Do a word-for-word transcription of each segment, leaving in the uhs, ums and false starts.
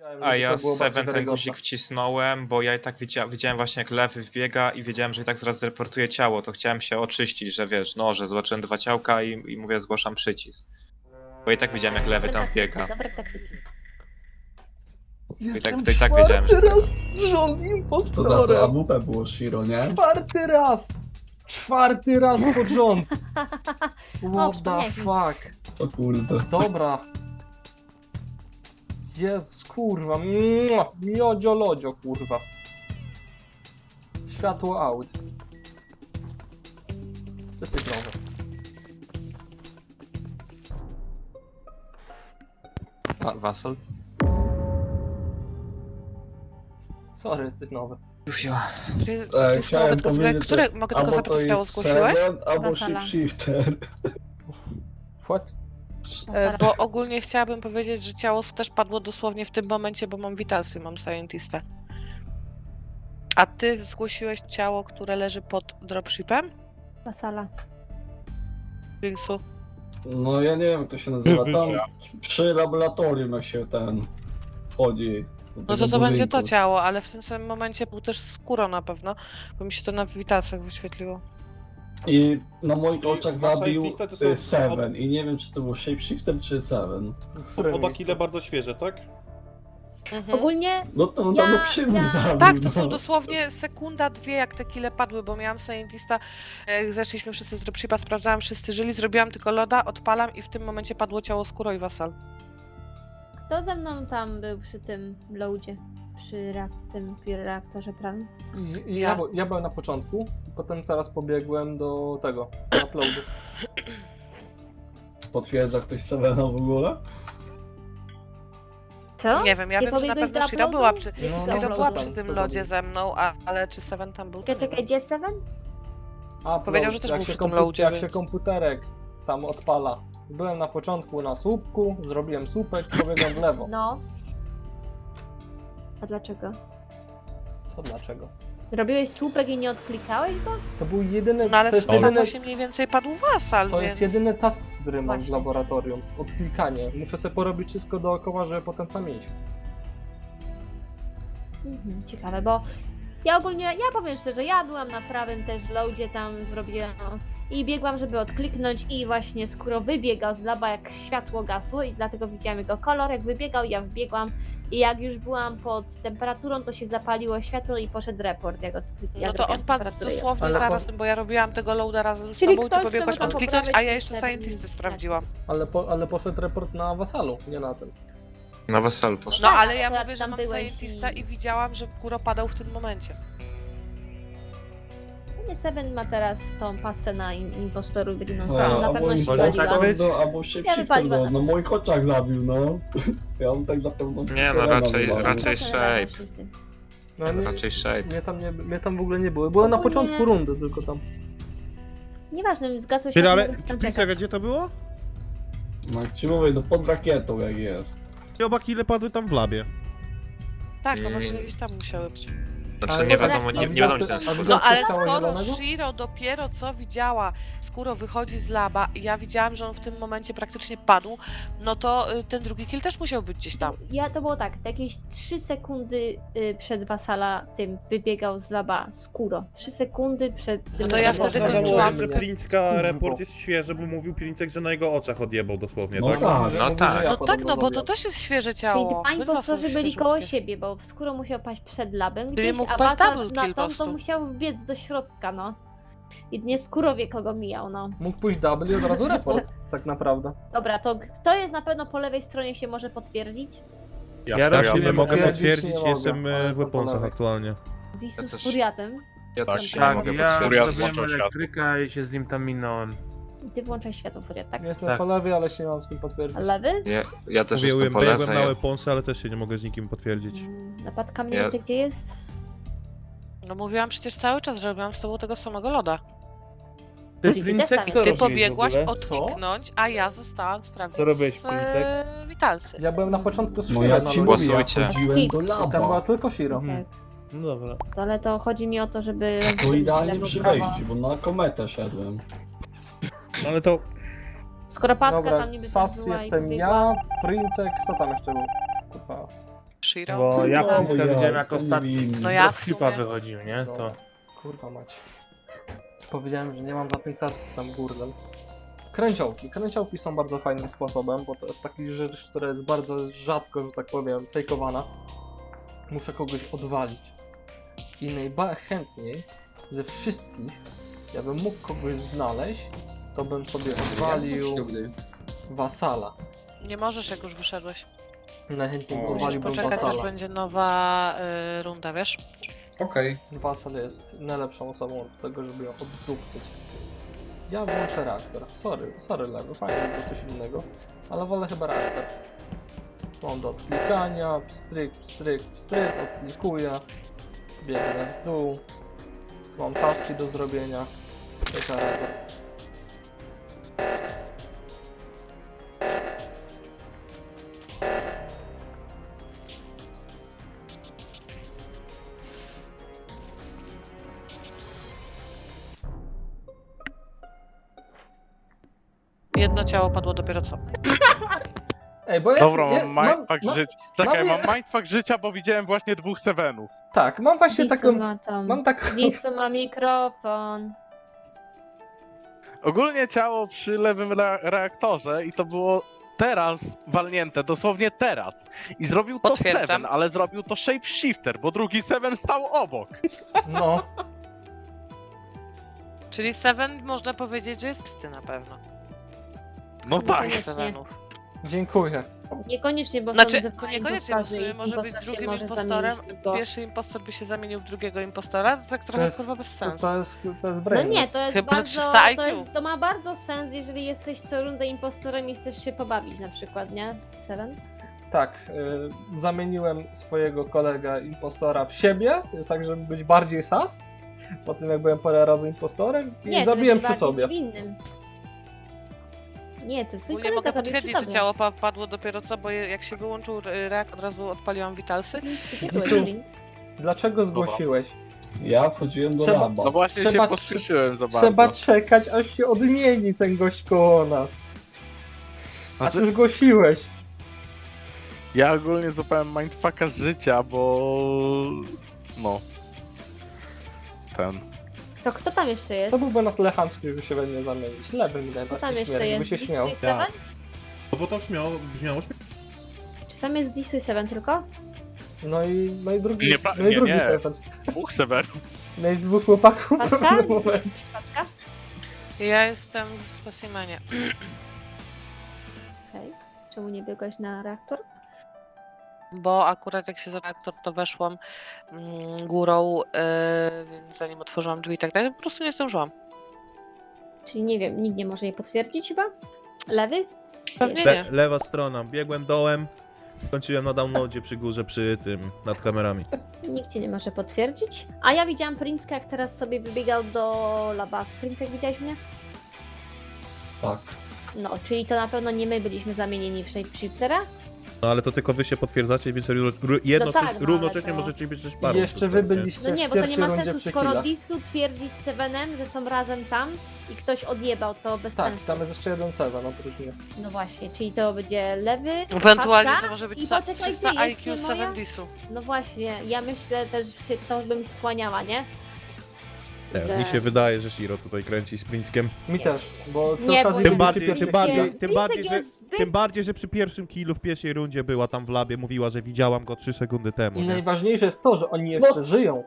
A ja z Seven ten guzik wcisnąłem, bo ja i tak widzia widziałem właśnie jak lewy wbiega i wiedziałem, że i tak zaraz zreportuje ciało, to chciałem się oczyścić, że wiesz, no, że zobaczyłem dwa ciałka i, i mówię, zgłaszam przycisk. Bo i tak widziałem jak lewy tam wbiega. Dobre taktyki. I tak, Jestem to i tak wiedziałem, że czwarty tego. raz rząd To za to impostorem. A W P było Shiro, nie? Czwarty raz! Czwarty raz pod rząd! What the przypomniałeś mi. fuck? O kurde. Dobra. Jezus, kurwa. Mua, miodzio lodzio, kurwa. Światło out. Recyklowe. A, Wasal? Sorry, jesteś nowy. E, chciałem mogę tylko, sobie, powiedzieć, które, że mogę tylko albo zapytać, to ciało jest zgłosiłeś? Seven, albo Wasala. Shifter. What? E, bo ogólnie chciałabym powiedzieć, że ciało też padło dosłownie w tym momencie, bo mam Vitalsy, mam Scientista. A ty zgłosiłeś ciało, które leży pod dropshipem? Wasala. Ringsu. No ja nie wiem jak to się nazywa. Tam przy laboratorium jak się ten wchodzi. do No tego to to będzie to budynku. ciało, ale w tym samym momencie był też skóro na pewno, bo mi się to na Vitalsach wyświetliło. I na moich oczach Wasal zabił lista to są- y, Seven. I nie wiem czy to był Shapeshifter czy Seven. W którym Oba miejscu? kile bardzo świeże, tak? Mhm. Ogólnie No to on Ja- tam przy mnie ja- zabił. Tak, to no. są dosłownie sekunda, dwie, jak te kile padły, bo miałam Scientista, jak zeszliśmy wszyscy z dropshipa, sprawdzałam, wszyscy żyli, zrobiłam tylko loda, odpalam i w tym momencie padło ciało skóro i Wasal. kto ze mną tam był przy tym loadzie? Przy reak tym reaktorze prawym? I- i Ja, by- ja byłem na początku, potem teraz pobiegłem do tego, do uploadu. Potwierdza ktoś Sevena w ogóle? Co? Nie wiem, ja Nie wiem, że na pobiegłeś pewno do Shiro uploadu? była przy, No, Shiro no, Shiro to była tam, przy tym to lodzie tam. ze mną, a, ale czy Seven tam był? to Czekaj, nie czekaj, wiem. gdzie jest Seven? Upload, Powiedział, że też jak był się przy tym kompu- loadzie, Jak więc- się komputerek tam odpala. Byłem na początku na słupku, zrobiłem słupek, pobiegłem w lewo. No. A dlaczego? To dlaczego? Robiłeś słupek i nie odklikałeś go? To był jedyny, No ale to w jest sumie tam jedyny, właśnie mniej więcej padł Wasal, to więc... jest jedyny task, który mam w Właśnie. laboratorium. Odklikanie. Muszę sobie porobić wszystko dookoła, żeby potem tam iść. Mhm, ciekawe, bo ja ogólnie, ja powiem szczerze, ja byłam na prawym też loadzie, tam zrobiłam i biegłam, żeby odkliknąć i właśnie skóro wybiegał z laba, jak światło gasło i dlatego widziałam jego kolor, jak wybiegał, ja wbiegłam i jak już byłam pod temperaturą, to się zapaliło światło i poszedł report, jak odkliknąłem. No to on padł dosłownie Ale zaraz, po- bo ja robiłam tego loada razem z Czyli tobą i ty ktoś, pobiegłaś kto mógł odkliknąć, a poprawić ja jeszcze Seven Scientisty i- sprawdziłam. Ale, po, ale poszedł report na Wasalu, nie na tym. Na Wasal poszedł. No Tak, ale ja akurat mówię, że tam mam byłeś Scientista i- i widziałam, że Kuro padał w tym momencie. Nie, Seven ma teraz tą pasę na im- impostoru, no, No, na albo pewno się Impostor, waliła. no, albo Shapeshifter, wypaliłam no, na na moich oczach zabił, no. Ja on tak na pewno Nie, no, Sevena raczej- wywalił. raczej- Potem Shape. razem się tym. No, nie, Raczej Shape. mnie, tam nie, mnie tam w ogóle nie było. Byłem na Ogólnie- początku rundy tylko tam. Nieważne, zgasło się, Czyli ale, mogę tam Plisek, czekać. gdzie to było? No jak ci mówię, no pod rakietą jak jest. I oba kile padły tam w labie. Tak, no bo Mm. gdzieś tam musiały być. Znaczy Ale nie to wiadomo, tak- nie, nie wiadomo gdzie ten A skór. widziałeś No ale ciało skoro zielonego? Shiro dopiero co widziała, skóro wychodzi z laba i ja widziałam, że on w tym momencie praktycznie padł, no to y, ten drugi kill też musiał być gdzieś tam. Ja to było tak, jakieś trzy sekundy y, przed Wasala tym wybiegał z laba skóro. trzy sekundy przed tym. No to ja labem. wtedy Można kończyłam. założyć, że mnie. Princka Kurwa. report jest świeży, bo mówił Princek, że na jego oczach odjebał dosłownie, No tak? tak. Mówi, że- No mówi, tak. że ja No tak, podobno no bo to zabiłem. też jest świeże Czyli ciało. dwa Obydwa są impostorzy byli świeżutkie. koło siebie, bo skóro musiał paść przed labem gdzieś, mógł a paść Wasal double na kill po tą to prostu. musiał wbiec do środka, no. I nie skóro wie kogo mijał, no. Mógł pójść double i od razu report, tak naprawdę. Dobra, to kto jest na pewno po lewej stronie się może potwierdzić? Ja, Ja raczej bym nie mogę potwierdzić potwierdzić, nie mogę, jestem ale e, w jestem po weaponsach lewej. aktualnie. Disu z też. furiatem. Ja Tak, też nie tak, mogę ja potwierdzić. zrobiłem elektryka i się z nim tam minąłem. I ty włączaj światło furiat, tak? Jestem Tak. po lewej, ale się nie mam z kim potwierdzić. A lewy? Ja, ja też Mówiłem, jestem po biegłem lewej. na ja- weaponsy, ale też się nie mogę z nikim potwierdzić. Mm, Napadka mniej Ja- więcej gdzie jest? No mówiłam przecież cały czas, że robiłam z tobą tego samego loda. Ty, Czyli Princek, też co tam Ty robiłeś w pobiegłaś ogóle? odkliknąć, a ja zostałam sprawdzić Co robiłeś, z Princek? e, Vitalsy. Ja byłem na początku z No Shiro ja na ci lodzie. mówię, ja Głosujcie. chodziłem do Skips. I tam była laba. tylko Shiro. Mhm. Tak. No dobra. To, ale to chodzi mi o to, żeby... To idealnie lewo, przy prawo. wejściu, bo na kometę szedłem. Ale to Skoro Patka Dobra, tam niby Sas była i jestem wybiegła, ja, Princek, kto tam jeszcze był? Kurwa. Shiro? Bo ja No, Princka ja widziałem jak jestem ostatni niewinny. z No ja w dropshipa sumie- wychodził, nie? To... Dobra. Kurwa mać. Powiedziałem, że nie mam za tych tasków tam gurdel. Kręciołki. Kręciołki są bardzo fajnym sposobem, bo to jest taki rzecz, która jest bardzo rzadko, że tak powiem, fejkowana. Muszę kogoś odwalić. I najchętniej ze wszystkich, ja bym mógł kogoś znaleźć, to bym sobie odwalił wasala. Nie możesz, jak już wyszedłeś. Najchętniej O. Musisz odwaliłbym poczekać, aż wasala. będzie nowa y, runda, wiesz? Okej. Wasal jest najlepszą osobą do tego, żeby ją oddupcyć. Ja włączę reaktor. Sorry, sorry lewy, fajnie by było coś innego, ale wolę chyba reaktor. Mam do odklikania, pstryk, pstryk, pstryk, odklikuję, biegnę w dół, mam taski do zrobienia, reaktor. Jedno ciało padło dopiero co. Ej, bo ja Dobra, ja, mam mindfuck ma- życia. Czekaj, mam- mam mindfuck życia, bo widziałem właśnie dwóch Sevenów. Tak, mam właśnie Disu taką, ma tam. mam taką, Disu ma mikrofon. Ogólnie ciało przy lewym re reaktorze i to było teraz walnięte, dosłownie teraz. I zrobił to Potwierdzam. Seven, ale zrobił to Shapeshifter, bo drugi Seven stał obok. no, Czyli Seven można powiedzieć, że jest czysty na pewno. No tak. Koniecznie. Sevenów. dziękuję. Niekoniecznie, bo Znaczy, są dwa niekoniecznie, bo w impostorzy sumie i może być impostor się drugim może impostorem. zamienić tylko- Pierwszy impostor by się zamienił w drugiego impostora, to tak trochę kurwa bez to, sensu. to jest, to jest No brainless. nie, to jest Chyba, że bardzo, trzysta I Q. to, jest, to ma bardzo sens, jeżeli jesteś co rundę impostorem i chcesz się pobawić na przykład, nie? Seven? Tak, y, zamieniłem swojego kolegę impostora w siebie, jest tak, żeby być bardziej sas. Po tym jak byłem parę razy impostorem i Nie, zabiłem żeby przy być sobie. bardziej niewinnym. Nie, to twój Ogólnie kolega mogę zabił potwierdzić, przy że tobie. ciało pa padło dopiero co, bo je- jak się wyłączył y, reak, od razu odpaliłam witalsy. Prince, gdzie Disu. byłeś, Prince? Dlaczego zgłosiłeś? Ja wchodziłem do Trzeba- laba. No właśnie Trzeba- się pospieszyłem za bardzo. Trzeba czekać, aż się odmieni ten gość koło nas. A ty Znaczy, zgłosiłeś. ja ogólnie złapałem mindfucka życia, bo... No. Ten. To kto tam jeszcze jest? To byłby na tyle chamski, żeby się we mnie zamienić. Lewy mi Kto tam najbardziej jeszcze śmierdzi, by jest? się Disu śmiał. i Seven? No bo to brzmiało, brzmiało śmiesznie. Czy tam jest Disu i Seven tylko? No i, no i drugi, Nie, no i nie, drugi nie. serpent. Dwóch Sevenów. Miałeś dwóch chłopaków w Patka? pewnym momencie. Patka? Ja jestem w specimenie. Okej. Czemu nie biegłeś na reaktor? Bo akurat jak się za reaktor, to weszłam mm, górą, yy, więc zanim otworzyłam drzwi i tak dalej, po prostu nie zdążyłam. Czyli nie wiem, nikt nie może jej potwierdzić chyba? Lewy? Pewnie Le nie. lewa strona, biegłem dołem, skończyłem na downloadzie przy górze, przy tym, nad kamerami. Nikt cię nie może potwierdzić. A ja widziałam Princka, jak teraz sobie wybiegał do laba. Prince, jak widziałeś mnie? Tak. No, czyli to na pewno nie my byliśmy zamienieni w Shapeshiftera? No ale to tylko wy się potwierdzacie, więc ró- ró- jednocześnie, tak, no, ale równocześnie to- możecie być też I parą. jeszcze wy byliście No nie, w bo to nie pierwszej ma rundzie sensu, przy skoro killach. Disu twierdzi z Sevenem, że są razem tam i ktoś odjebał, to bez Tak, sensu. tam jest jeszcze jeden Seven oprócz mnie. No właśnie, czyli to będzie lewy, Ewentualnie Patka to może być i sa- poczekajcie, trzysta I Q jeszcze moja? Seven Disu. no właśnie, ja myślę też, że się to bym skłaniała, nie? Nie, że- mi się wydaje, że Shiro tutaj kręci z Princkiem. Mi Nie. też, bo przy Nie, bo okazji Tym Tym byli bardziej, przy pierwszych tym bardziej, killach. tym Princek bardziej, że, jest zbyt... tym bardziej, że przy pierwszym killu w pierwszej rundzie była tam w labie, mówiła, że widziałam go trzy sekundy temu, I nie? najważniejsze jest to, że oni jeszcze No. żyją.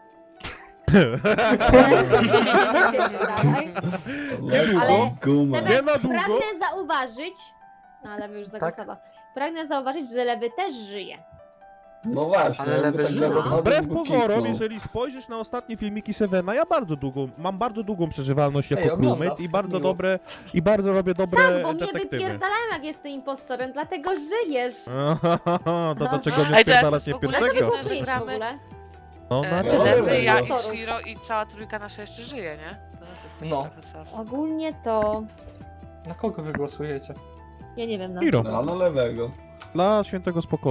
Dalej. Lekko Ale- guma. Seven- Nie na długo! Pragnę zauważyć, no ale już zagłosował, pragnę zauważyć, że lewy też żyje. No właśnie, Ale jakby lewy tak żyje. na zasadzie Wbrew go pozorom, kiknął. jeżeli spojrzysz na ostatnie filmiki Sevena, ja bardzo długą, mam bardzo długą przeżywalność jako Ej, oglądam, crewmate i bardzo miło. dobre, i bardzo robię dobre Tak, bo mnie detektywy. wypierdalałem, jak jestem impostorem, dlatego żyjesz. to No. dlaczego Ej, nie to jak spierdalać w nie ogóle pierwszego? dziwne, że Żyjesz w gramy- ogóle. No, E, no, no, Lewy, no, ja no. i Shiro i cała trójka nasza jeszcze żyje, nie? To też jest taki No. trochę sas. Ogólnie to, Na kogo wy głosujecie? ja nie wiem, no. Shiro, A na lewego. dla świętego spokoju.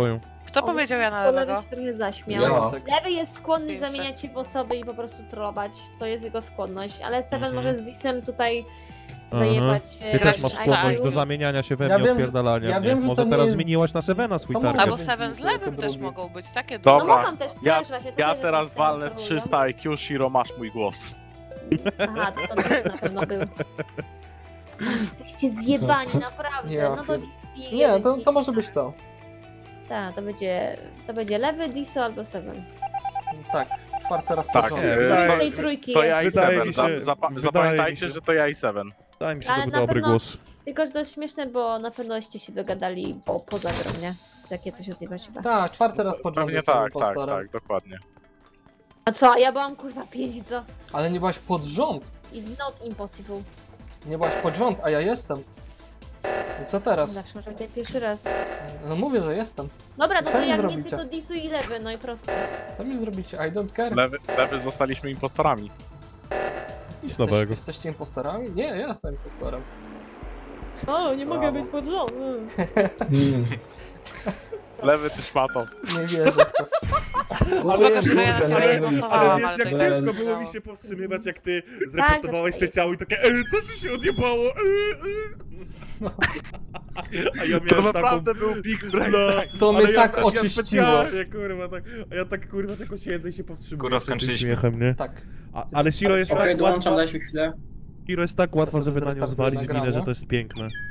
Kto O, powiedział ja na Lewy lewego? się trochę zaśmiał. Ja. Jacek. Lewy jest skłonny Pięć zamieniać się w osoby i po prostu trollować. To jest jego skłonność, ale Seven Mhm. może z Disem tutaj Aha. zajebać. e, Ty też Grać masz na skłonność style. do zamieniania się we Ja mnie, wiem, że- odpierdalania ja mnie. wiem, że Może to nie teraz jest- zmieniłaś na Sevena swój To mogę target. Albo być Seven z jako lewym też drugi. mogą być, takie No Dobra. mogą też, Ja- też właśnie. to Ja też teraz jest walnę trolują. trzysta I Q, Shiro, masz mój głos. Aha, to, to też na pewno był. O, jesteście zjebani, naprawdę. Ja No to... pier- i- Nie, to, to może być to. Tak, to będzie, to będzie lewy, Diso albo Seven. Tak, czwarty raz Tak, pod rząd. nie, Któryś wydaje- z tej trójki To jest. ja i Wydaje Seven. mi Za, się- zapa- wydaje zapamiętajcie, mi się- że to ja i Seven. Wydaje mi się, Ale to był na dobry pewno- głos. Tylko, że to jest śmieszne, bo na pewnoście się dogadali po, poza grą, nie? Takie coś odjebać chyba. Tak, czwarty raz pod rząd Pewnie jestem tak, tak, impostorem. tak, dokładnie. A co, a ja byłam kurwa pięć, co? Ale nie byłaś pod rząd. It's not impossible. Nie byłaś pod rząd, a ja jestem. I co teraz? Zawsze może być pierwszy raz. No mówię, że jestem. Dobra, no Co to mi jak nie zrobicie? ty, to Disu i lewy, no i prosto. Co mi zrobicie? I don't care. Lewy, lewy zostaliśmy impostorami. Nic Jesteś, nowego. jesteście impostorami? Nie, ja jestem impostorem. O, nie mogę być pod rząd. Hmm. Lewy ty szmato. Nie wierzę w to. Spoko, że ja na ciebie nie Ale głosowałam, wiesz, ale jak tak ciężko się było udało. mi się powstrzymywać, jak ty zreportowałeś to te jest. ciało i takie Ej, co tu się odjebało? Ej, ej. A ja To miałem naprawdę taką... był big brain. No, To ale mnie ja, tak ja oczyściło. specjalnie, kurwa, tak, a ja tak, kurwa, tylko siedzę i się powstrzymuję. Kurwa, przed tym skończyliśmy. Śmiechem, nie? Tak. A, ale Shiro jest Okej, tak dołączam, łatwa, dajcie mi chwilę. Shiro jest tak łatwa, sobie żeby na nią zrestartuję zwalić winę, nagranie. że to jest piękne.